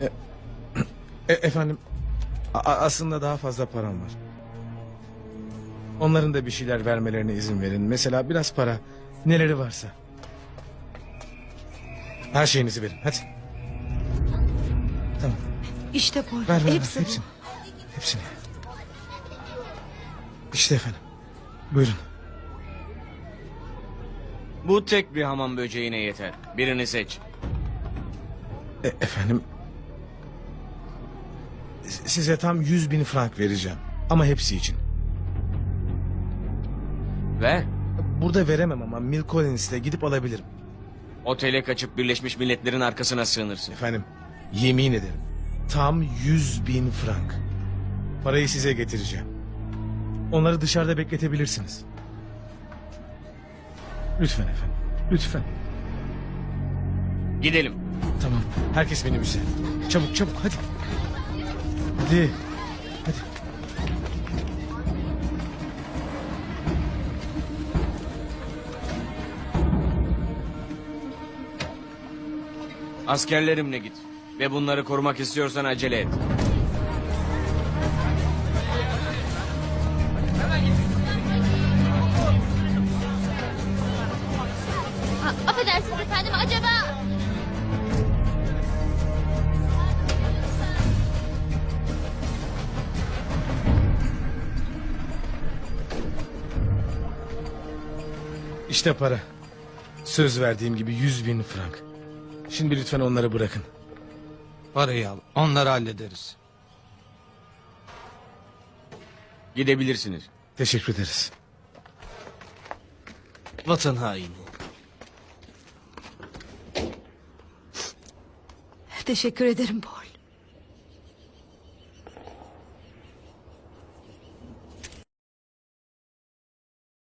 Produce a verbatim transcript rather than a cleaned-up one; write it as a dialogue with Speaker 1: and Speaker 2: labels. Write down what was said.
Speaker 1: E, efendim, a- aslında daha fazla param var. Onların da bir şeyler vermelerine izin verin. Mesela biraz para, neleri varsa. Her şeyinizi verin, hadi. Tamam,
Speaker 2: İşte Paul.
Speaker 1: ver ver, ver.
Speaker 2: Hepsi bu.
Speaker 1: hepsini. Hepsini. İşte efendim, buyurun.
Speaker 3: Bu tek bir hamam böceğine yeter. Birini seç.
Speaker 1: E, efendim, s- size tam yüz bin frank vereceğim. Ama hepsi için.
Speaker 3: Ve
Speaker 1: Burada veremem ama Mill Collins'te gidip alabilirim.
Speaker 3: otele kaçıp Birleşmiş Milletler'in arkasına sığınırsın.
Speaker 1: Efendim, yemin ederim. Tam yüz bin frank. Parayı size getireceğim. Onları dışarıda bekletebilirsiniz. Lütfen efendim, lütfen.
Speaker 3: Gidelim.
Speaker 1: Tamam, herkes minibüse. Çabuk çabuk, hadi. Hadi, hadi.
Speaker 3: Askerlerimle git. Ve bunları korumak istiyorsan acele et.
Speaker 4: Ha, affedersiniz efendim, acaba...
Speaker 1: İşte para. Söz verdiğim gibi yüz bin frank. Şimdi lütfen onları bırakın.
Speaker 5: Parayı al. Onları hallederiz.
Speaker 3: Gidebilirsiniz.
Speaker 1: Teşekkür ederiz.
Speaker 5: Vatan haini.
Speaker 2: Teşekkür ederim Paul.